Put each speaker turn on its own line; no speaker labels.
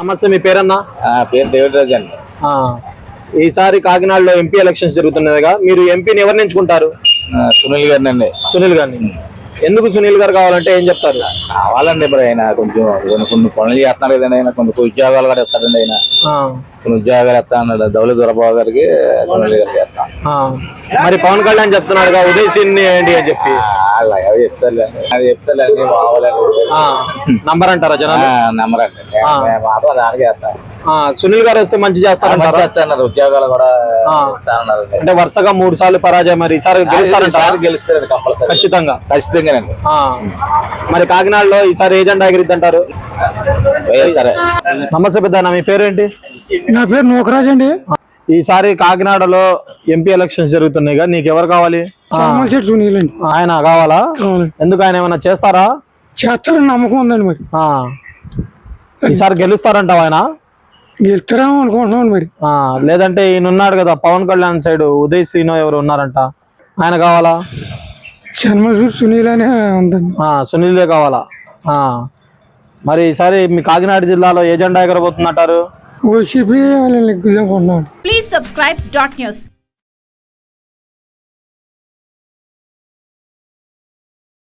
నమస్తే, మీ పేరన్నా?
పేరు డేవిడ్ రాజ్ అండి.
ఈసారి కాకినాడలో ఎంపీ ఎలక్షన్స్ జరుగుతున్నాయిగా, మీరు ఎంపీని ఎవరిని ఎంచుకుంటారు?
సునీల్ గారిని అండి.
సునీల్ గారిని. ఎందుకు సునీల్ గారు కావాలంటే ఏం చెప్తారు?
కావాలండి, ఇప్పుడు ఆయన కొంచెం కొన్ని పనులు చేస్తున్నారు కదండి. ఆయన కొన్ని ఉద్యోగాలు కూడా ఇస్తారండి. ఆయన కొన్ని ఉద్యోగాలు ఇస్తా అన్నాడు. దౌలత్ దొరబాబు గారికి సునీల్ గారికి చేస్తాం.
మరి పవన్ కళ్యాణ్ చెప్తున్నాడుగా ఉదయ్ సీన్ ఏంటి అని చెప్పి.
అవి చెప్తారులేండి, అది చెప్తారులేండి.
నంబర్ అంటారా జనాలు?
నంబర్ అండి, మాత్రం దానికి చేస్తాం.
సునీల్ గారు వస్తే మంచి చేస్తారన్నారు.
ఉద్యోగాలు కూడా
అంటే వరుసగా 3 సార్లు పరాజయం, మరి ఈసారి
గెలుస్తారు కంపల్సరీ,
ఖచ్చితంగా.
ఖచ్చితంగానండి.
మరి కాకినాడలో ఈసారి ఏ జెండా ఎగిరిద్దంటారు?
సరే.
నమస్తే పెద్ద, మీ పేరేంటి?
నా పేరు నూకరాజ్ అండి.
ఈసారి కాకినాడలో ఎంపీ ఎలక్షన్స్ జరుగుతున్నాయిగా, నీకు ఎవరు కావాలి?
సునీల్ అండి.
ఆయన కావాలా? ఎందుకు, ఆయన ఏమైనా చేస్తారా?
చేస్తారని నమ్మకం ఉందండి. మరి
ఈసారి గెలుస్తారంటావు? ఆయన
గెలుస్తారేమో అనుకుంటున్నాను. మరి
లేదంటే ఈయన ఉన్నాడు కదా పవన్ కళ్యాణ్ సైడ్, ఉదయ్ శ్రీనో ఎవరు ఉన్నారంట, ఆయన కావాలా?
సునీల్ అనే ఉందండి.
సునీలే కావాలా? మరి ఈసారి మీ కాకినాడ జిల్లాలో ఏ జెండా ఎగరబోతుందంటారు?
ఓసీపీ వాళ్ళని లెగ్గుదాం.
Please subscribe .news.